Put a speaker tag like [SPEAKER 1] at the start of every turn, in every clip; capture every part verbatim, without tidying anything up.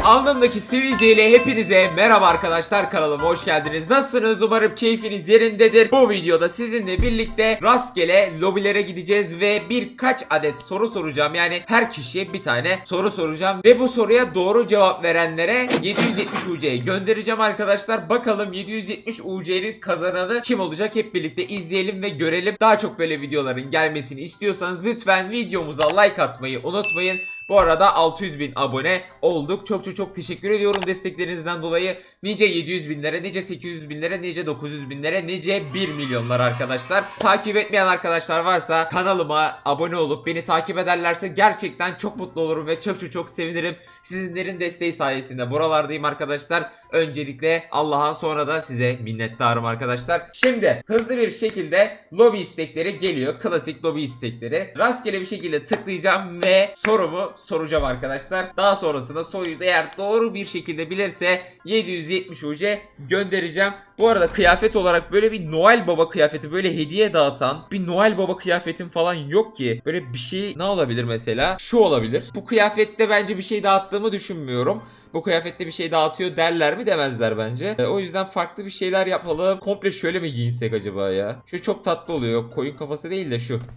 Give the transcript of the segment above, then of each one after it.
[SPEAKER 1] Alnımdaki sivilceyle hepinize merhaba arkadaşlar, kanalıma hoş geldiniz. Nasılsınız? Umarım keyfiniz yerindedir. Bu videoda sizinle birlikte rastgele lobilere gideceğiz ve birkaç adet soru soracağım. Yani her kişiye bir tane soru soracağım ve bu soruya doğru cevap verenlere yedi yüz yetmiş U C'yi göndereceğim arkadaşlar. Bakalım yedi yüz yetmiş U C'nin kazananı kim olacak? Hep birlikte izleyelim ve görelim. Daha çok böyle videoların gelmesini istiyorsanız lütfen videomuza like atmayı unutmayın. Bu arada altı yüz bin abone olduk. Çok çok çok teşekkür ediyorum desteklerinizden dolayı. Nice yedi yüz binlere, nice sekiz yüz binlere, nice dokuz yüz binlere, nice bir milyonlar arkadaşlar. Takip etmeyen arkadaşlar varsa kanalıma abone olup beni takip ederlerse gerçekten çok mutlu olurum ve çok çok çok sevinirim. Sizinlerin desteği sayesinde buralardayım arkadaşlar. Öncelikle Allah'a, sonra da size minnettarım arkadaşlar. Şimdi hızlı bir şekilde lobi istekleri geliyor. Klasik lobi istekleri. Rastgele bir şekilde tıklayacağım ve sorumu soracağım arkadaşlar. Daha sonrasında soruyu da eğer doğru bir şekilde bilirse yedi yüz yetmiş U C göndereceğim. Bu arada kıyafet olarak böyle bir Noel Baba kıyafeti, böyle hediye dağıtan bir Noel Baba kıyafetim falan yok ki. Böyle bir şey ne olabilir mesela? Şu olabilir. Bu kıyafette bence bir şey dağıttığımı düşünmüyorum. Bu kıyafette bir şey dağıtıyor derler mi, demezler bence. E, o yüzden farklı bir şeyler yapalım. Komple şöyle mi giyinsek acaba ya? Şu çok tatlı oluyor. Koyun kafası değil de şu.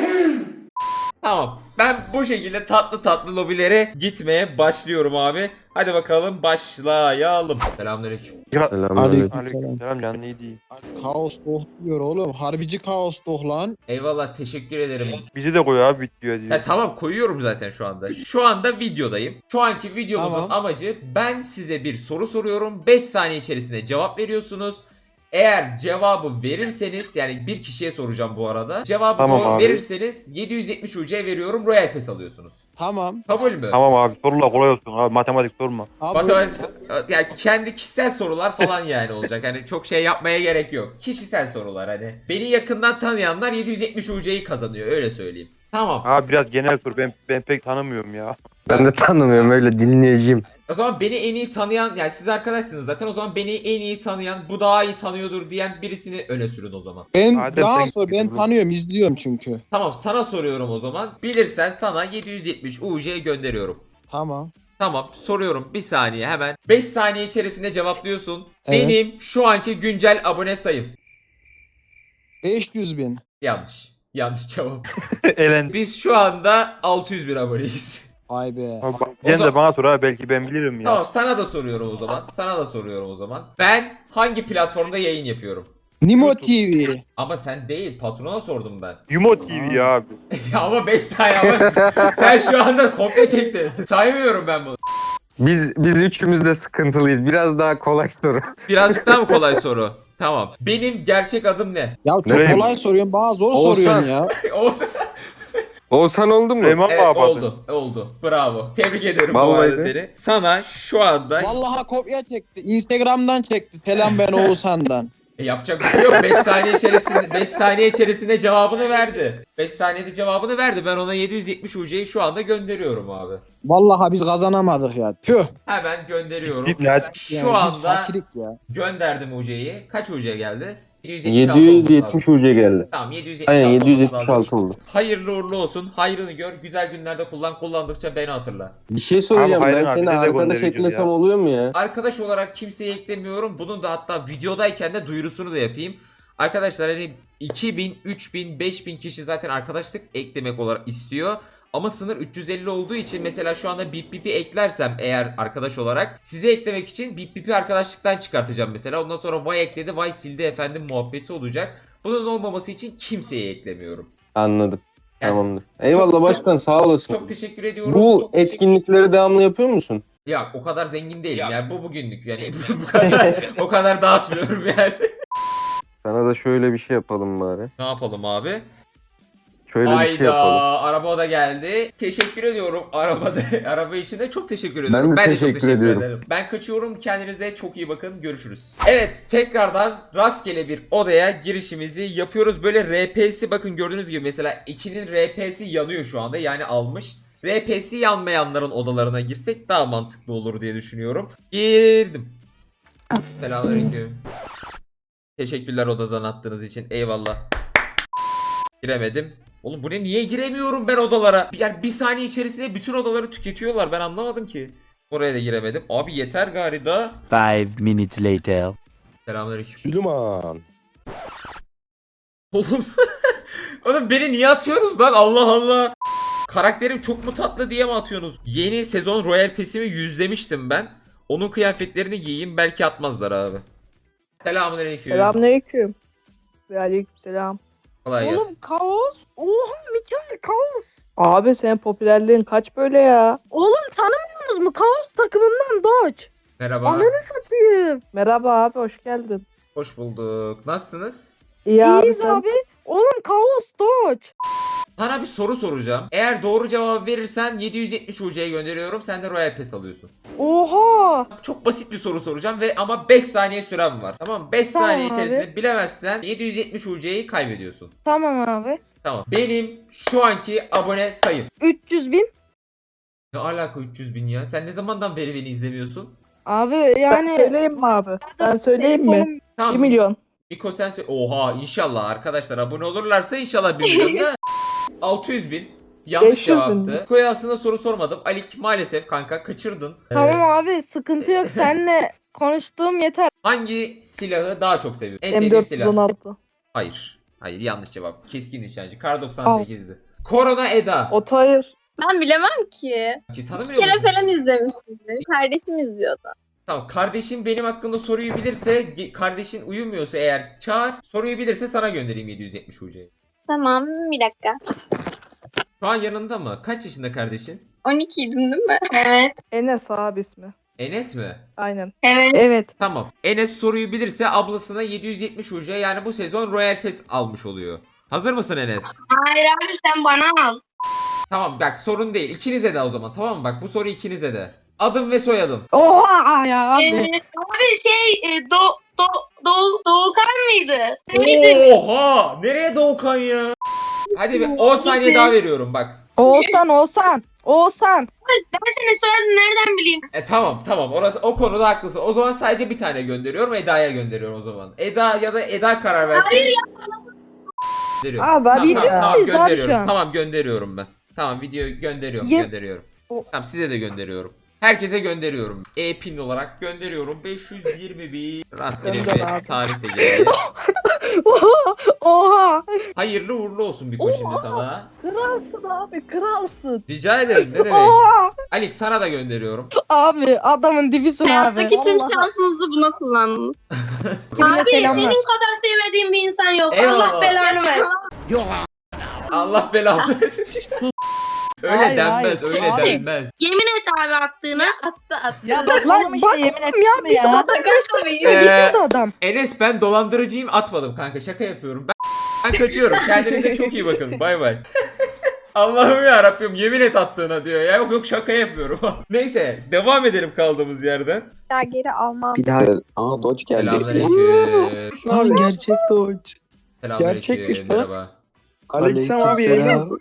[SPEAKER 1] Tamam. Ben bu şekilde tatlı tatlı lobilere gitmeye başlıyorum abi. Hadi bakalım başlayalım. Selamünaleyküm.
[SPEAKER 2] Ya
[SPEAKER 3] Aleyküm
[SPEAKER 2] aleyküm selam canın iyi değil.
[SPEAKER 3] Kaos doh diyor oğlum. Harbici kaos doh lan.
[SPEAKER 1] Eyvallah, teşekkür ederim.
[SPEAKER 2] Bizi de koy abi video diyor.
[SPEAKER 1] Ya tamam, koyuyorum zaten şu anda. Şu anda videodayım. Şu anki videomuzun
[SPEAKER 3] Tamam.
[SPEAKER 1] amacı, ben size bir soru soruyorum. beş saniye içerisinde cevap veriyorsunuz. Eğer cevabı verirseniz, yani bir kişiye soracağım bu arada. Cevabı
[SPEAKER 2] Tamam
[SPEAKER 1] doğru
[SPEAKER 2] abi.
[SPEAKER 1] verirseniz yedi yüz yetmiş U C veriyorum. Royal Pass alıyorsunuz.
[SPEAKER 3] Tamam.
[SPEAKER 1] Kabul mü?
[SPEAKER 2] Tamam abi sorular kolay olsun abi, matematik sorma.
[SPEAKER 3] Abi,
[SPEAKER 1] Matematik, yani kendi kişisel sorular falan yani olacak. Hani çok şey yapmaya gerek yok. Kişisel sorular hani. Beni yakından tanıyanlar yedi yüz yetmiş U C'yi kazanıyor, öyle söyleyeyim. Tamam.
[SPEAKER 2] Abi biraz genel sor, ben ben pek tanımıyorum ya.
[SPEAKER 4] Ben de tanımıyorum, öyle dinleyeceğim.
[SPEAKER 1] O zaman beni en iyi tanıyan, yani siz arkadaşsınız zaten, o zaman beni en iyi tanıyan, bu daha iyi tanıyordur diyen birisini öne sürün o zaman.
[SPEAKER 3] ben
[SPEAKER 2] Adem
[SPEAKER 3] daha
[SPEAKER 2] sen-
[SPEAKER 3] sonra ben tanıyorum, izliyorum çünkü.
[SPEAKER 1] Tamam, sana soruyorum o zaman. Bilirsen sana yedi yüz yetmiş U C gönderiyorum.
[SPEAKER 3] Tamam.
[SPEAKER 1] Tamam, soruyorum, bir saniye hemen. beş saniye içerisinde cevaplıyorsun.
[SPEAKER 3] Evet.
[SPEAKER 1] Benim şu anki güncel abone sayım.
[SPEAKER 3] beş yüz bin.
[SPEAKER 1] Yanlış. Yanlış cevap.
[SPEAKER 2] Elendi.
[SPEAKER 1] Biz şu anda altı yüz bin aboneyiz.
[SPEAKER 3] Ay be.
[SPEAKER 2] Abi, bak,
[SPEAKER 1] O
[SPEAKER 2] Sen
[SPEAKER 1] zaman-
[SPEAKER 2] de bana sor abi, belki ben bilirim ya.
[SPEAKER 1] Tamam, sana da soruyorum o zaman. Sana da soruyorum o zaman. Ben hangi platformda yayın yapıyorum?
[SPEAKER 3] Nimo T V.
[SPEAKER 1] Ama sen değil, patrona sordum ben.
[SPEAKER 2] Yumo T V ya abi.
[SPEAKER 1] Ya ama beş saniye ama sen şu anda komple çektin. Saymıyorum ben bunu.
[SPEAKER 4] Biz biz üçümüz de sıkıntılıyız. Biraz daha kolay soru.
[SPEAKER 1] Birazcık daha mı kolay soru? Tamam. Benim gerçek adım ne?
[SPEAKER 3] Ya çok
[SPEAKER 2] Nereye?
[SPEAKER 3] kolay soruyorsun, bana zor
[SPEAKER 4] Oğuzhan.
[SPEAKER 3] soruyorsun ya.
[SPEAKER 1] Olsun.
[SPEAKER 4] Oğuzhan oldu mu?
[SPEAKER 2] Süleyman
[SPEAKER 1] Evet,
[SPEAKER 2] Baba.
[SPEAKER 1] oldu. Oldu. Bravo. Tebrik ederim bu
[SPEAKER 4] Vallahi
[SPEAKER 1] arada
[SPEAKER 4] de.
[SPEAKER 1] seni. Sana şu anda
[SPEAKER 3] Vallahi kopya çekti. Instagram'dan çekti. Selam ben Oğuzhan'dan.
[SPEAKER 1] E, yapacak bir şey yok. beş saniye içerisinde beş saniye içerisinde cevabını verdi. beş saniyede cevabını verdi. Ben ona yedi yüz yetmiş U C'yi şu anda gönderiyorum abi.
[SPEAKER 3] Vallahi biz kazanamadık ya. Tüh.
[SPEAKER 1] Hemen gönderiyorum.
[SPEAKER 2] Git lan.
[SPEAKER 1] Şu
[SPEAKER 3] Yani biz
[SPEAKER 1] anda
[SPEAKER 3] fakirlik ya.
[SPEAKER 1] gönderdim U C'yi. Kaç U C geldi?
[SPEAKER 4] yedi yüz yetmiş U C geldi.
[SPEAKER 1] Tamam, yedi yüz yetmiş
[SPEAKER 4] Aynen
[SPEAKER 1] altı
[SPEAKER 4] yedi yüz
[SPEAKER 1] olması
[SPEAKER 4] yetmiş
[SPEAKER 1] lazım.
[SPEAKER 4] altı oldu.
[SPEAKER 1] Hayırlı uğurlu olsun. Hayrını gör. Güzel günlerde kullan. Kullandıkça beni hatırla.
[SPEAKER 4] Bir şey soracağım.
[SPEAKER 2] Abi,
[SPEAKER 4] Ben
[SPEAKER 2] Hayri abi,
[SPEAKER 4] seni
[SPEAKER 2] bize de
[SPEAKER 4] arkadaş
[SPEAKER 2] göndereceğiz
[SPEAKER 4] eklesem
[SPEAKER 2] ya.
[SPEAKER 4] oluyor mu ya?
[SPEAKER 1] Arkadaş olarak kimseyi eklemiyorum. Bunun da hatta videodayken de duyurusunu da yapayım. Arkadaşlar hani iki bin, üç bin, beş bin kişi zaten arkadaşlık eklemek olarak istiyor. Ama sınır üç yüz elli olduğu için mesela şu anda Bip Bip'i eklersem eğer arkadaş olarak, sizi eklemek için Bip Bip'i arkadaşlıktan çıkartacağım mesela. Ondan sonra Vay ekledi, Vay sildi efendim muhabbeti olacak. Bunun olmaması için kimseyi eklemiyorum.
[SPEAKER 4] Anladım.
[SPEAKER 1] Yani
[SPEAKER 4] Tamamdır. Eyvallah
[SPEAKER 1] çok-
[SPEAKER 4] başkan, sağ olasın.
[SPEAKER 1] Çok teşekkür ediyorum.
[SPEAKER 4] Bu
[SPEAKER 1] Çok teşekkür-
[SPEAKER 4] etkinlikleri devamlı yapıyor musun?
[SPEAKER 1] Ya o kadar zengin değilim yani, bu bugünlük yani bu kadar o kadar dağıtmıyorum yani.
[SPEAKER 4] Sana da şöyle bir şey yapalım bari.
[SPEAKER 1] Ne yapalım abi?
[SPEAKER 4] Şöyle bir şey
[SPEAKER 1] Hayda,
[SPEAKER 4] yapalım.
[SPEAKER 1] araba da geldi. Teşekkür ediyorum arabada. Araba için de çok teşekkür ediyorum.
[SPEAKER 4] Ben de
[SPEAKER 1] çok
[SPEAKER 4] teşekkür
[SPEAKER 1] teşekkür
[SPEAKER 4] ediyorum.
[SPEAKER 1] ederim. Ben kaçıyorum. Kendinize çok iyi bakın. Görüşürüz. Evet, tekrardan rastgele bir odaya girişimizi yapıyoruz. Böyle R P'si, bakın gördüğünüz gibi mesela ikinin R P'si yanıyor şu anda. Yani almış. R P'si yanmayanların odalarına girsek daha mantıklı olur diye düşünüyorum. Girdim. Selamünaleyküm. Teşekkürler odadan attığınız için. Eyvallah. Giremedim. Oğlum bu ne? Niye giremiyorum ben odalara? Yani bir saniye içerisinde bütün odaları tüketiyorlar. Ben anlamadım ki. Buraya da giremedim. Abi yeter gari da.
[SPEAKER 5] Five minutes later.
[SPEAKER 1] Selamünaleyküm.
[SPEAKER 6] Süleyman.
[SPEAKER 1] Oğlum. Oğlum beni niye atıyorsunuz lan? Allah Allah. Karakterim çok mu tatlı diye mi atıyorsunuz? Yeni sezon Royal Pass'imi yüzlemiştim ben. Onun kıyafetlerini giyeyim, belki atmazlar abi. Selamünaleyküm.
[SPEAKER 7] Selamünaleyküm. Ve aleykümselam.
[SPEAKER 1] Kolay gelsin.
[SPEAKER 7] Oğlum kaos. Oha Mikael kaos. Abi senin popülerliğin kaç böyle ya? Oğlum tanımıyorsunuz mu? Kaos takımından Doç.
[SPEAKER 1] Merhaba.
[SPEAKER 7] Ananı satayım. Merhaba abi hoş geldin.
[SPEAKER 1] Hoş bulduk. Nasılsınız?
[SPEAKER 7] İyi abi sen. abi. Oğlum kaos Doç.
[SPEAKER 1] Sana bir soru soracağım. Eğer doğru cevap verirsen yedi yüz yetmiş U C'ye gönderiyorum. Sen de Royal Pass alıyorsun.
[SPEAKER 7] Oha.
[SPEAKER 1] Çok basit bir soru soracağım ve ama beş saniye süren var. Tamam mı? beş
[SPEAKER 7] Tamam
[SPEAKER 1] saniye
[SPEAKER 7] abi.
[SPEAKER 1] içerisinde bilemezsen yedi yüz yetmiş U C'yi kaybediyorsun.
[SPEAKER 7] Tamam abi.
[SPEAKER 1] Tamam. Benim şu anki abone sayım.
[SPEAKER 7] üç yüz bin.
[SPEAKER 1] Ne alaka üç yüz bin ya? Sen ne zamandan beri beni izlemiyorsun?
[SPEAKER 7] Abi yani.
[SPEAKER 8] Ben söyleyeyim mi abi? Ben söyleyeyim mi?
[SPEAKER 1] Tamam.
[SPEAKER 8] bir milyon.
[SPEAKER 1] Miko sen söyle. Oha inşallah arkadaşlar abone olurlarsa inşallah bir milyon da. altı yüz bin. Yanlış
[SPEAKER 8] beş yüz bin.
[SPEAKER 1] cevaptı. Miko'ya aslında soru sormadım. Alik maalesef kanka kaçırdın.
[SPEAKER 7] Tamam
[SPEAKER 1] Ee,
[SPEAKER 7] abi sıkıntı yok. Seninle konuştuğum yeter.
[SPEAKER 1] hangi silahı daha çok seviyorsun? En
[SPEAKER 8] M
[SPEAKER 1] sevdiğin
[SPEAKER 8] dört yüz on
[SPEAKER 1] silah.
[SPEAKER 8] altı.
[SPEAKER 1] Hayır. Hayır yanlış cevap. Keskin nişancı. Kar doksan sekizdi. Korona Eda.
[SPEAKER 8] Oto hayır.
[SPEAKER 9] Ben bilemem ki.
[SPEAKER 1] Ki
[SPEAKER 9] Bir
[SPEAKER 1] tanımıyor
[SPEAKER 9] kere
[SPEAKER 1] musun?
[SPEAKER 9] falan izlemişimdir. Kardeşim izliyordu.
[SPEAKER 1] Tamam kardeşim benim hakkında soruyu bilirse ge- kardeşin uyumuyorsa eğer çağır, soruyu bilirse sana göndereyim yedi yüz yetmiş U C'yi.
[SPEAKER 9] Tamam bir dakika.
[SPEAKER 1] Şu an yanında mı? Kaç yaşında kardeşin?
[SPEAKER 9] on ikiydim değil mi? Evet.
[SPEAKER 8] Enes abi ismi.
[SPEAKER 1] Enes mi?
[SPEAKER 8] Aynen.
[SPEAKER 9] Evet.
[SPEAKER 7] Evet.
[SPEAKER 1] Tamam. Enes soruyu bilirse ablasına yedi yüz yetmiş U C yani bu sezon Royal Pass almış oluyor. Hazır mısın Enes?
[SPEAKER 9] Hayır abi sen bana al.
[SPEAKER 1] Tamam bak sorun değil. İkinize de o zaman tamam mı? Bak bu soru ikinize de. Adım ve soyadım.
[SPEAKER 7] Oha ya abi.
[SPEAKER 9] Ee, abi şey e, do, do, do, Doğukan mıydı?
[SPEAKER 1] Oha! Nereye Doğukan ya? Hadi bir on saniye daha veriyorum bak.
[SPEAKER 7] Oğuzhan Oğuzhan. Oğuzhan.
[SPEAKER 9] Ben senin soyadını nereden bileyim?
[SPEAKER 1] E tamam tamam orası o konuda haklısın. O zaman sadece bir tane gönderiyorum. Eda'ya gönderiyorum o zaman. Eda ya da Eda karar versin.
[SPEAKER 9] Hayır ya.
[SPEAKER 1] Gönderiyorum.
[SPEAKER 8] Abi
[SPEAKER 1] Tamam,
[SPEAKER 8] abi
[SPEAKER 1] tamam,
[SPEAKER 8] ya.
[SPEAKER 1] tamam,
[SPEAKER 7] Biz abi şu
[SPEAKER 1] gönderiyorum.
[SPEAKER 7] an.
[SPEAKER 1] Tamam gönderiyorum ben. Tamam videoyu gönderiyorum
[SPEAKER 7] Ye-
[SPEAKER 1] gönderiyorum.
[SPEAKER 8] O-
[SPEAKER 1] Tamam size de gönderiyorum. Herkese gönderiyorum. E-pin olarak gönderiyorum. beş yüz yirmi bir. Rastgele
[SPEAKER 8] Gönder
[SPEAKER 1] bir
[SPEAKER 8] abi.
[SPEAKER 1] tarih de geldi.
[SPEAKER 7] Oha. Oha.
[SPEAKER 1] Hayırlı uğurlu olsun bir şimdi sana.
[SPEAKER 8] Kralsın abi kralsın.
[SPEAKER 1] Rica ederim ne demek.
[SPEAKER 7] Oha.
[SPEAKER 1] Alik sana da gönderiyorum.
[SPEAKER 7] Abi adamın dibisin abi.
[SPEAKER 9] Hayattaki tüm
[SPEAKER 8] Vallahi.
[SPEAKER 9] şansınızı buna kullandınız.
[SPEAKER 7] Kimine
[SPEAKER 9] Abi
[SPEAKER 7] selamlar.
[SPEAKER 9] senin kadar sevmediğim bir insan yok.
[SPEAKER 1] Eyvallah.
[SPEAKER 9] Allah belanı versin.
[SPEAKER 1] Allah belanı versin. Öyle
[SPEAKER 8] Hayır,
[SPEAKER 1] denmez,
[SPEAKER 8] hayır.
[SPEAKER 1] öyle
[SPEAKER 8] Abi.
[SPEAKER 1] denmez.
[SPEAKER 9] Yemin et abi attığına. Attı attı.
[SPEAKER 8] Ya bak
[SPEAKER 7] Lan
[SPEAKER 8] oğlum işte
[SPEAKER 7] bak
[SPEAKER 8] yemin
[SPEAKER 7] oğlum
[SPEAKER 8] ettim
[SPEAKER 7] ya biz
[SPEAKER 8] ya.
[SPEAKER 7] adam
[SPEAKER 9] Şaka
[SPEAKER 7] beş
[SPEAKER 9] tabii.
[SPEAKER 7] konuşuyor
[SPEAKER 1] Ee,
[SPEAKER 7] gidiyordu adam.
[SPEAKER 1] Enes ben dolandırıcıyım atmadım kanka şaka yapıyorum. Ben, ben kaçıyorum. Kendinize çok iyi bakın. Bay bay. Allah'ım ya Rabbim yemin et attığına diyor ya. Yok yok şaka yapıyorum. Neyse devam edelim kaldığımız yerden.
[SPEAKER 9] Daha geri almam.
[SPEAKER 6] Bir daha. Aa Doç geldi.
[SPEAKER 1] Selamünaleyküm.
[SPEAKER 6] Abi gerçek Doç.
[SPEAKER 1] Selamünaleyküm.
[SPEAKER 6] Gerçekmiş lan.
[SPEAKER 1] Merhaba.
[SPEAKER 6] Aleyküm abi yayınlasın.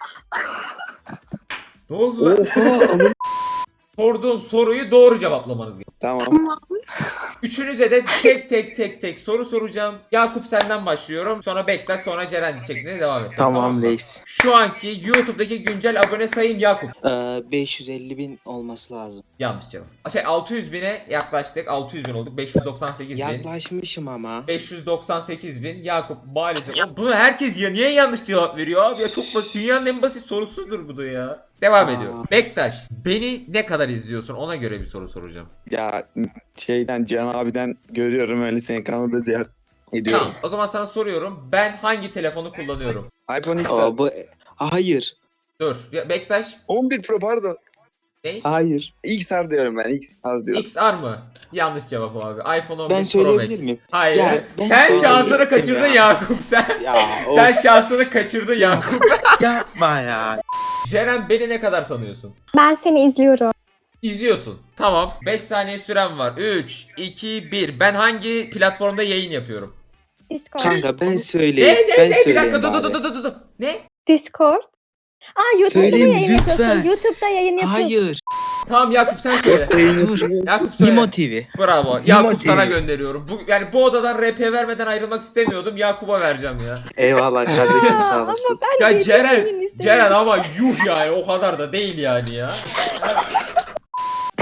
[SPEAKER 1] Ne oldu lan?
[SPEAKER 6] Oha.
[SPEAKER 1] Sorduğum soruyu doğru cevaplamanız gerekiyor.
[SPEAKER 6] Tamam.
[SPEAKER 1] Üçünüze de tek tek tek tek soru soracağım. Yakup senden başlıyorum. Sonra Bektaş sonra Ceren şeklinde devam edeceğim.
[SPEAKER 10] Tamam
[SPEAKER 1] mı?
[SPEAKER 10] reis.
[SPEAKER 1] Şu anki YouTube'daki güncel abone sayım Yakup.
[SPEAKER 10] Ee, beş yüz elli bin olması lazım.
[SPEAKER 1] Yanlış cevap. Şey altı yüz bine yaklaştık. altı yüz bin olduk. beş yüz doksan sekiz bin.
[SPEAKER 10] Yaklaşmışım ama.
[SPEAKER 1] beş yüz doksan sekiz bin. Yakup maalesef. Oğlum bunu herkes ya niye yanlış cevap veriyor abi ya çok basit. Dünyanın en basit sorusudur bu da ya. Devam
[SPEAKER 10] Aa.
[SPEAKER 1] ediyorum. Bektaş beni ne kadar izliyorsun ona göre bir soru soracağım.
[SPEAKER 6] Ya şeyden Can abiden görüyorum öyle seni kanalda ziyaret ediyorum.
[SPEAKER 1] Tamam o zaman sana soruyorum. Ben hangi telefonu kullanıyorum?
[SPEAKER 6] iPhone X R.
[SPEAKER 10] Aa, bu... Hayır.
[SPEAKER 1] Dur. Ya Bektaş.
[SPEAKER 6] on bir Pro pardon.
[SPEAKER 1] Ne?
[SPEAKER 10] Hayır.
[SPEAKER 6] X R diyorum ben X R diyorum.
[SPEAKER 1] X R mı? Yanlış cevap abi. iPhone on bir
[SPEAKER 10] Ben
[SPEAKER 1] Pro
[SPEAKER 10] söyleyebilir
[SPEAKER 1] Max.
[SPEAKER 10] miyim?
[SPEAKER 1] Hayır.
[SPEAKER 10] Ya, ben
[SPEAKER 1] sen
[SPEAKER 10] söyleyebilirim
[SPEAKER 1] şansını kaçırdın
[SPEAKER 10] ya.
[SPEAKER 1] Yakup. Sen
[SPEAKER 10] Ya
[SPEAKER 1] sen
[SPEAKER 10] of,
[SPEAKER 1] şansını kaçırdın Yakup.
[SPEAKER 10] yapma ya.
[SPEAKER 1] Ceren beni ne kadar tanıyorsun?
[SPEAKER 9] Ben seni izliyorum.
[SPEAKER 1] İzliyorsun. Tamam. beş saniye süren var. üç, iki, bir. Ben hangi platformda yayın yapıyorum?
[SPEAKER 9] Discord.
[SPEAKER 10] Kanka ben
[SPEAKER 1] Ne
[SPEAKER 10] söyleyeyim.
[SPEAKER 1] ne
[SPEAKER 10] ben
[SPEAKER 1] ne? Bir
[SPEAKER 10] söyleyeyim
[SPEAKER 1] dakika dur
[SPEAKER 10] bari.
[SPEAKER 1] dur dur dur dur. dur. Ne?
[SPEAKER 9] Discord. Aa YouTube'da
[SPEAKER 10] Söyleyeyim,
[SPEAKER 9] mı yayın
[SPEAKER 10] lütfen.
[SPEAKER 9] yapıyorsun? YouTube'da yayın yapıyorsun.
[SPEAKER 10] Hayır.
[SPEAKER 1] Tamam Yakup sen söyle.
[SPEAKER 10] Dur.
[SPEAKER 1] Yakup söyle.
[SPEAKER 10] Nimo T V.
[SPEAKER 1] Bravo. Yakup
[SPEAKER 10] T V.
[SPEAKER 1] sana gönderiyorum. Bu yani bu odadan R P vermeden ayrılmak istemiyordum. Yakup'a vereceğim ya.
[SPEAKER 10] Eyvallah kardeşim sağ
[SPEAKER 9] Ama
[SPEAKER 10] olasın.
[SPEAKER 9] ben
[SPEAKER 1] Ya
[SPEAKER 9] de
[SPEAKER 1] Ceren,
[SPEAKER 9] yayın istemiyorum.
[SPEAKER 1] Ceren ama yuh yani o kadar da değil yani ya.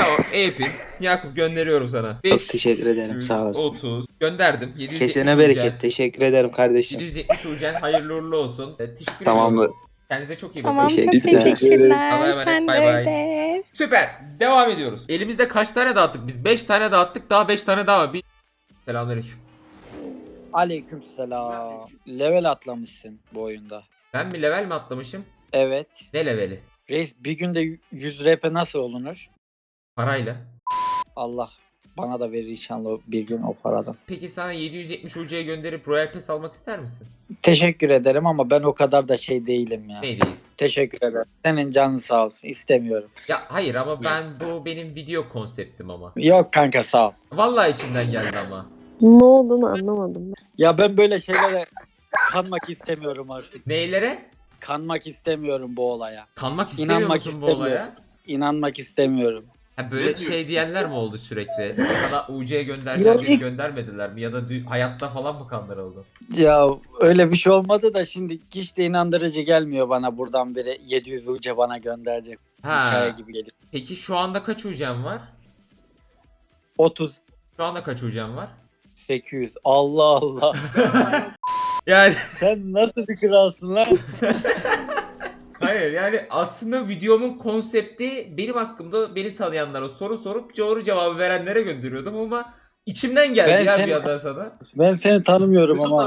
[SPEAKER 1] Tamam Eyüp'in. Yakup gönderiyorum sana.
[SPEAKER 10] Çok teşekkür ederim, sağ olasın.
[SPEAKER 1] otuz. Gönderdim. yedi yüz yetmiş
[SPEAKER 10] Kesene
[SPEAKER 1] Ucen.
[SPEAKER 10] bereket. Teşekkür ederim kardeşim.
[SPEAKER 1] yedi yüz yetmiş Ucen hayırlı uğurlu olsun. Evet, teşekkür
[SPEAKER 10] Tamamdır.
[SPEAKER 1] ediyorum. Kendinize çok iyi bakın.
[SPEAKER 7] Tamam çok
[SPEAKER 10] Teşekkürler.
[SPEAKER 7] teşekkürler.
[SPEAKER 1] Allah'a emanet,
[SPEAKER 7] Sen de
[SPEAKER 1] bay bay.
[SPEAKER 7] öyle.
[SPEAKER 1] Süper. Devam ediyoruz. Elimizde kaç tane dağıttık? Biz beş tane dağıttık. Daha beş tane daha var. Bir... Selamünaleyküm.
[SPEAKER 11] Aleykümselam. Level atlamışsın bu oyunda.
[SPEAKER 1] Ben bir level mi atlamışım?
[SPEAKER 11] Evet.
[SPEAKER 1] Ne leveli?
[SPEAKER 11] Reis bir günde yüz R P nasıl olunur?
[SPEAKER 1] Parayla.
[SPEAKER 11] Allah bana da verir inşallah bir gün o paradan.
[SPEAKER 1] Peki sana yedi yüz yetmiş Ucu'ya gönderip Royal Pass almak ister misin?
[SPEAKER 11] Teşekkür ederim ama ben o kadar da şey değilim ya.
[SPEAKER 1] Neydeyiz?
[SPEAKER 11] Teşekkür ederim. Senin canın sağ olsun. İstemiyorum.
[SPEAKER 1] Ya hayır ama ben bu benim video konseptim ama.
[SPEAKER 11] Yok kanka sağ ol.
[SPEAKER 1] Vallahi içimden geldi ama.
[SPEAKER 7] Ne olduğunu anlamadım ben.
[SPEAKER 11] Ya ben böyle şeylere kanmak istemiyorum artık.
[SPEAKER 1] Neylere?
[SPEAKER 11] Kanmak istemiyorum bu olaya.
[SPEAKER 1] Kanmak istemiyor
[SPEAKER 11] İnanmak
[SPEAKER 1] musun bu
[SPEAKER 11] istemiyorum.
[SPEAKER 1] olaya?
[SPEAKER 11] İnanmak istemiyorum.
[SPEAKER 1] Ha böyle şey diyenler mi oldu sürekli? Sana U C'ye göndereceğim diye göndermediler mi? Ya da dü- hayatta falan mı kandırıldı?
[SPEAKER 11] Ya öyle bir şey olmadı da şimdi hiç de inandırıcı gelmiyor bana buradan biri yedi yüz uca bana gönderecek. Hikaye
[SPEAKER 1] Ha.
[SPEAKER 11] gibi geliyor.
[SPEAKER 1] Peki şu anda kaç U C'm var?
[SPEAKER 11] otuz
[SPEAKER 1] Şu anda kaç U C'm var?
[SPEAKER 11] sekiz yüz. Allah Allah.
[SPEAKER 1] Yani
[SPEAKER 11] Sen nasıl bir kralsın lan?
[SPEAKER 1] hayır yani aslında videomun konsepti benim hakkımda beni tanıyanlara soru sorup doğru cevabı verenlere gönderiyordum ama içimden geldi
[SPEAKER 11] Ben
[SPEAKER 1] ya
[SPEAKER 11] seni-
[SPEAKER 1] bir yandan sana.
[SPEAKER 11] Ben seni tanımıyorum ama.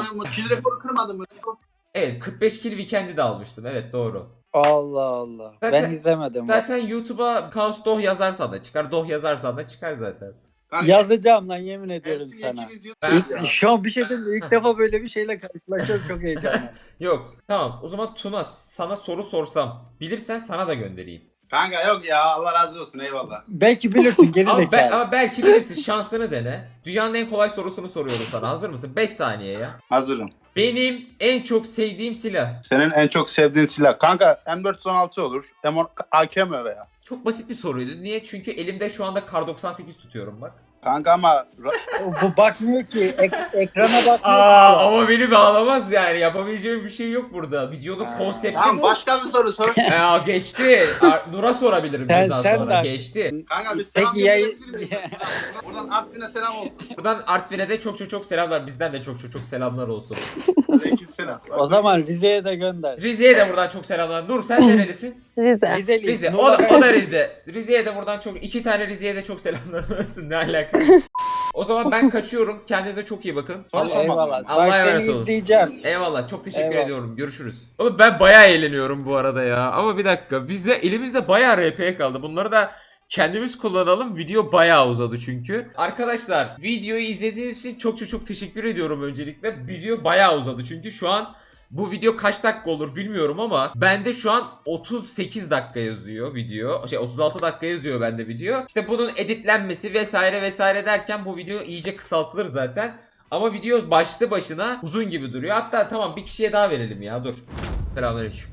[SPEAKER 1] Evet kırk beş kill weekend'i de almıştım evet doğru.
[SPEAKER 11] Allah Allah.
[SPEAKER 1] Zaten-
[SPEAKER 11] ben izlemedim.
[SPEAKER 1] Zaten YouTube'a Kaos Doh yazarsan da çıkar, Doh yazarsan da çıkar zaten.
[SPEAKER 11] Yazacağım lan yemin ediyorum sana.
[SPEAKER 1] Ben...
[SPEAKER 11] İlk, şu an bir şey değil mi? İlk defa böyle bir şeyle karşılaşıyorum çok heyecanlı.
[SPEAKER 1] Yok tamam o zaman Tuna sana soru sorsam bilirsen sana da göndereyim.
[SPEAKER 12] Kanka yok ya Allah razı olsun eyvallah.
[SPEAKER 11] Belki bilirsin geri
[SPEAKER 1] Ama, be-
[SPEAKER 11] zekalı.
[SPEAKER 1] ama belki bilirsin şansını dene. Dünyanın en kolay sorusunu soruyorum sana hazır mısın? beş saniye ya.
[SPEAKER 12] Hazırım.
[SPEAKER 1] Benim en çok sevdiğim silah.
[SPEAKER 12] Senin en çok sevdiğin silah. Kanka M dört yüz on altı olur. M on A K mi veya?
[SPEAKER 1] Çok basit bir soruydu. Niye? Çünkü elimde şu anda Kar doksan sekiz tutuyorum bak.
[SPEAKER 12] Kanka ama
[SPEAKER 11] Bu bakmıyor ki. Ek- ekrana bakmıyor
[SPEAKER 1] Aa
[SPEAKER 11] ki.
[SPEAKER 1] ama beni bağlamaz yani. Yapabileceğim bir şey yok burada. Videonun konsepti
[SPEAKER 12] tamam
[SPEAKER 1] bu.
[SPEAKER 12] başka bir soru sor.
[SPEAKER 1] Ya geçti. Ar- Nur'a sorabilirim
[SPEAKER 11] Sen-
[SPEAKER 1] bundan
[SPEAKER 11] sen
[SPEAKER 1] sonra.
[SPEAKER 11] de-
[SPEAKER 1] Geçti.
[SPEAKER 12] Kanka bir selam
[SPEAKER 11] Peki ya-
[SPEAKER 12] gönderebilir miyiz? Buradan Artvin'e selam olsun.
[SPEAKER 1] Buradan Artvin'e de çok çok çok selamlar. Bizden de çok çok çok selamlar olsun.
[SPEAKER 12] Aleyküm selam.
[SPEAKER 11] O zaman Rize'ye de gönder.
[SPEAKER 1] Rize'ye de buradan çok selamlar. Nur sen nerelisin?
[SPEAKER 7] Rize.
[SPEAKER 11] Rizeli.
[SPEAKER 1] Rize. O da, o da Rize. Rize'ye de buradan çok iki tane Rize'ye de çok selamlar olsun. Ne alaka? O zaman ben kaçıyorum. Kendinize çok iyi bakın.
[SPEAKER 12] Allah-
[SPEAKER 11] Eyvallah.
[SPEAKER 1] Allah'a
[SPEAKER 11] Bak
[SPEAKER 1] emanet
[SPEAKER 11] seni
[SPEAKER 1] olun.
[SPEAKER 11] izleyeceğim.
[SPEAKER 1] Eyvallah. Çok teşekkür
[SPEAKER 11] Eyvallah.
[SPEAKER 1] ediyorum. Görüşürüz. Oğlum ben bayağı eğleniyorum bu arada ya. Ama bir dakika. Bizde elimizde bayağı R P kaldı. Bunları da kendimiz kullanalım. Video bayağı uzadı çünkü. Arkadaşlar videoyu izlediğiniz için çok çok çok teşekkür ediyorum öncelikle. Video bayağı uzadı çünkü şu an bu video kaç dakika olur bilmiyorum ama bende şu an otuz sekiz dakika yazıyor video. Şey otuz altı dakika yazıyor bende video. İşte bunun editlenmesi vesaire vesaire derken bu video iyice kısaltılır zaten. Ama video başlı başına uzun gibi duruyor. Hatta tamam bir kişiye daha verelim ya dur. Selamünaleyküm.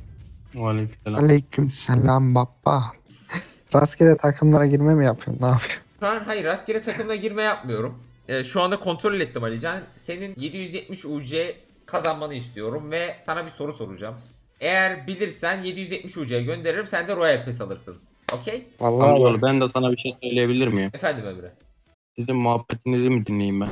[SPEAKER 13] Aleyküm selam baba. Rastgele takımlara girme mi yapıyorsun? Ne yapıyorsun?
[SPEAKER 1] Şu an hayır rastgele takımla girme yapmıyorum. Ee, şu anda kontrol ettim Alican. Senin yedi yüz yetmiş U C kazanmanı istiyorum ve sana bir soru soracağım. Eğer bilirsen yedi yüz yetmiş U C'ye gönderirim sen de Royal Pass alırsın. Okey?
[SPEAKER 13] Vallahi
[SPEAKER 4] Amcaoğlu ben de sana bir şey söyleyebilir miyim?
[SPEAKER 1] Efendim Emre.
[SPEAKER 4] Sizin muhabbetinizi mi dinleyeyim ben?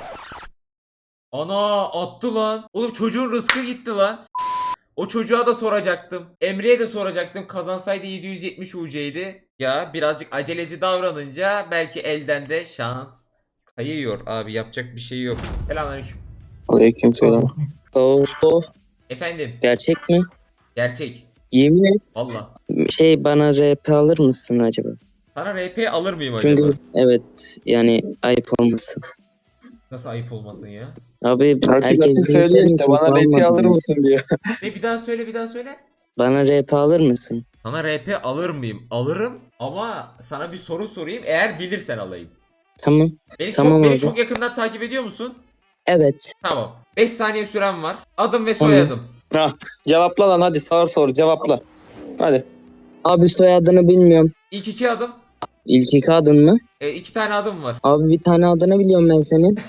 [SPEAKER 1] Ana attı lan. Oğlum çocuğun rızkı gitti lan. O çocuğa da soracaktım. Emre'ye de soracaktım. Kazansaydı yedi yüz yetmiş U C'ydi. Ya birazcık aceleci davranınca belki elden de şans kayıyor abi. Yapacak bir şey yok. Selamünaleyküm.
[SPEAKER 10] Aleykümselam. Dosto
[SPEAKER 1] Efendim.
[SPEAKER 10] gerçek mi?
[SPEAKER 1] Gerçek.
[SPEAKER 10] Yemin et.
[SPEAKER 1] Valla.
[SPEAKER 10] Şey bana R P alır mısın acaba?
[SPEAKER 1] Sana R P alır mıyım acaba?
[SPEAKER 10] Çünkü evet yani ayıp olmasın.
[SPEAKER 1] Nasıl ayıp olmasın ya?
[SPEAKER 10] Abi
[SPEAKER 11] Herkes
[SPEAKER 10] herkes
[SPEAKER 11] söylüyor işte bana R P alır mısın diyor.
[SPEAKER 1] Ne bir daha söyle bir daha söyle.
[SPEAKER 10] Bana R P alır mısın?
[SPEAKER 1] Sana R P alır mıyım? Alırım ama sana bir soru sorayım eğer bilirsen alayım.
[SPEAKER 10] Tamam.
[SPEAKER 1] Beni
[SPEAKER 10] Tamam
[SPEAKER 1] çok beni
[SPEAKER 10] abi.
[SPEAKER 1] çok yakından takip ediyor musun?
[SPEAKER 10] Evet.
[SPEAKER 1] Tamam. beş saniye süren var. Adım ve soyadım.
[SPEAKER 10] Cevapla lan hadi sor sor cevapla. Hadi. Abi soyadını bilmiyorum.
[SPEAKER 1] İlk iki adım.
[SPEAKER 10] İlk iki adın mı?
[SPEAKER 1] E, iki tane adım var.
[SPEAKER 10] Abi bir tane adını biliyorum ben senin.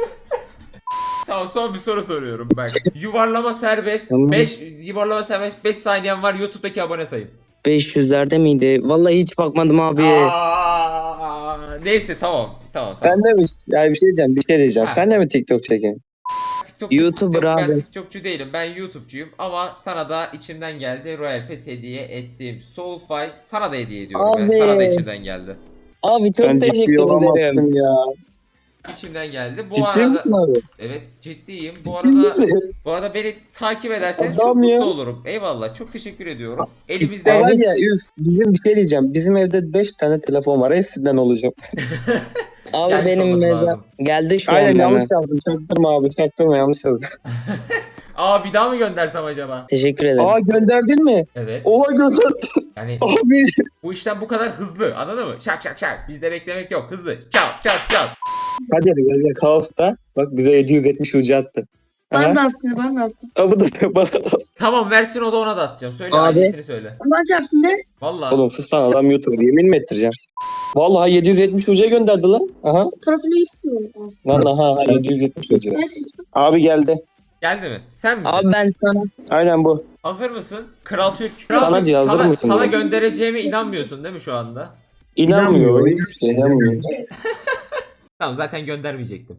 [SPEAKER 1] Tamam son bir soru soruyorum bak. Yuvarlama serbest.
[SPEAKER 10] Tamam.
[SPEAKER 1] beş yuvarlama serbest beş saniyen var YouTube'daki abone sayın.
[SPEAKER 10] beş yüzlerde miydi? Vallahi hiç bakmadım abi.
[SPEAKER 1] Aa, Neyse tamam. Tamam tamam.
[SPEAKER 10] Sen de mi? Ya bir şey diyeceğim, bir şey diyeceğim.
[SPEAKER 1] Ha.
[SPEAKER 10] Sen de mi TikTok çekin?
[SPEAKER 1] TikTok,
[SPEAKER 10] YouTuber
[SPEAKER 1] Yok, ben
[SPEAKER 10] abi.
[SPEAKER 1] TikTokçu değilim. Ben YouTube'cuyum ama sana da içimden geldi. Royal Pass hediye ettim. Soulfy sana da hediye ediyorum.
[SPEAKER 10] Abi.
[SPEAKER 1] Ben. Sana da içimden geldi.
[SPEAKER 10] Abi çok
[SPEAKER 6] Sen ciddi
[SPEAKER 10] teşekkür
[SPEAKER 6] olamazsın
[SPEAKER 10] ederim.
[SPEAKER 6] ya.
[SPEAKER 1] İçimden geldi. Bu
[SPEAKER 10] Ciddi
[SPEAKER 1] arada
[SPEAKER 10] misin abi?
[SPEAKER 1] evet ciddiyim. Bu
[SPEAKER 10] Ciddi
[SPEAKER 1] arada
[SPEAKER 10] misin?
[SPEAKER 1] bu arada beni takip ederseniz
[SPEAKER 10] Adam
[SPEAKER 1] çok
[SPEAKER 10] ya.
[SPEAKER 1] mutlu olurum. Eyvallah. Çok teşekkür ediyorum.
[SPEAKER 10] Ya
[SPEAKER 1] Elimizde
[SPEAKER 10] var ya üf, bizim bir şey diyeceğim. Bizim evde beş tane telefon var. Hepsinden olacağım. Abi
[SPEAKER 1] Gelmiş
[SPEAKER 10] benim
[SPEAKER 1] olması
[SPEAKER 10] mezar
[SPEAKER 1] lazım.
[SPEAKER 10] geldi şu
[SPEAKER 6] Aynen
[SPEAKER 10] an.
[SPEAKER 6] yanlış
[SPEAKER 10] yazdım. Çaktırma abi. Çaktırma yanlış yazdım.
[SPEAKER 1] Aa bir daha mı göndersem acaba?
[SPEAKER 10] Teşekkür ederim. Aa gönderdin mi?
[SPEAKER 1] Evet.
[SPEAKER 10] Oha gönderdin.
[SPEAKER 1] Yani
[SPEAKER 10] Abi.
[SPEAKER 1] bu işten bu kadar hızlı. Anladın mı? Şak şak şak. Bizde beklemek yok. Hızlı. Çat çat çat.
[SPEAKER 10] Hadi hadi gel gel. Kaos'ta. Bak bize yedi yüz yetmiş ucu attı.
[SPEAKER 9] Ben de astım, ben de astım.
[SPEAKER 10] Aa, bu da bana da.
[SPEAKER 1] Tamam versin o da ona da atacağım. Söyle
[SPEAKER 10] Abi.
[SPEAKER 1] ailesini söyle.
[SPEAKER 9] Kurban çarpsın de.
[SPEAKER 1] Vallahi.
[SPEAKER 10] Oğlum sus lan adam YouTuber. Yemin mi ettireceğim? Vallahi yedi yüz yetmiş ucuya gönderdi lan. Aha.
[SPEAKER 9] Profili istiyorum.
[SPEAKER 10] Lan aha aha, yedi yüz yetmiş ucu.
[SPEAKER 9] Ne istiyorsun?
[SPEAKER 10] Abi geldi.
[SPEAKER 1] Geldi mi? Sen misin?
[SPEAKER 10] Abi ben sana. Aynen bu.
[SPEAKER 1] Hazır mısın? Kral Türk.
[SPEAKER 10] Sana
[SPEAKER 1] Kral Türk,
[SPEAKER 10] diyor, hazır
[SPEAKER 1] sana,
[SPEAKER 10] mısın
[SPEAKER 1] sana
[SPEAKER 10] diyor.
[SPEAKER 1] göndereceğime inanmıyorsun değil mi şu anda?
[SPEAKER 10] İnanmıyor. Hiçbir şey inanmıyor.
[SPEAKER 1] Tamam zaten göndermeyecektim.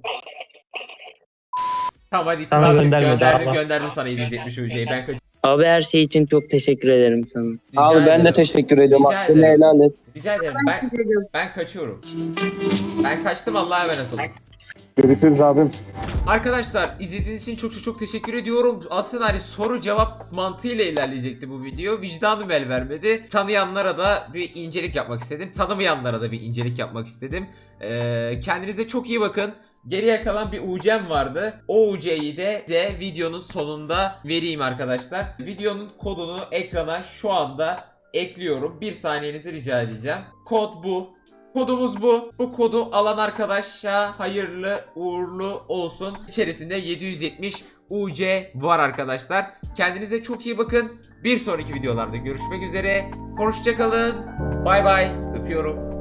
[SPEAKER 1] Tamam hadi
[SPEAKER 10] Sana
[SPEAKER 1] Kral Türk
[SPEAKER 10] göndermedi
[SPEAKER 1] gönderdim
[SPEAKER 10] ama.
[SPEAKER 1] gönderdim sana yedi yüz yetmiş ücreyi. Ben kaç-
[SPEAKER 10] Abi her şey için çok teşekkür ederim sana.
[SPEAKER 1] Rica
[SPEAKER 10] Abi ben
[SPEAKER 1] ederim.
[SPEAKER 10] de teşekkür ediyorum.
[SPEAKER 1] Rica
[SPEAKER 10] Hakkını
[SPEAKER 1] ederim.
[SPEAKER 10] helal et.
[SPEAKER 1] Rica ederim.
[SPEAKER 9] Ben
[SPEAKER 1] Ben,
[SPEAKER 9] teşekkür ediyorum.
[SPEAKER 1] ben kaçıyorum. Ben kaçtım Allah'a emanet olun.
[SPEAKER 13] Görüşürüz abim.
[SPEAKER 1] Arkadaşlar izlediğiniz için çok çok çok teşekkür ediyorum. Aslında hani soru cevap mantığıyla ilerleyecekti bu video. Vicdanım el vermedi. Tanıyanlara da bir incelik yapmak istedim. Tanımayanlara da bir incelik yapmak istedim. Ee, kendinize çok iyi bakın. Geriye kalan bir U C'm vardı. O U C'yi de size videonun sonunda vereyim arkadaşlar. Videonun kodunu ekrana şu anda ekliyorum. Bir saniyenizi rica edeceğim. Kod bu. Kodumuz bu. Bu kodu alan arkadaşa hayırlı uğurlu olsun. İçerisinde yedi yüz yetmiş U C var arkadaşlar. Kendinize çok iyi bakın. Bir sonraki videolarda görüşmek üzere. Hoşça kalın. Bay bay. Öpüyorum.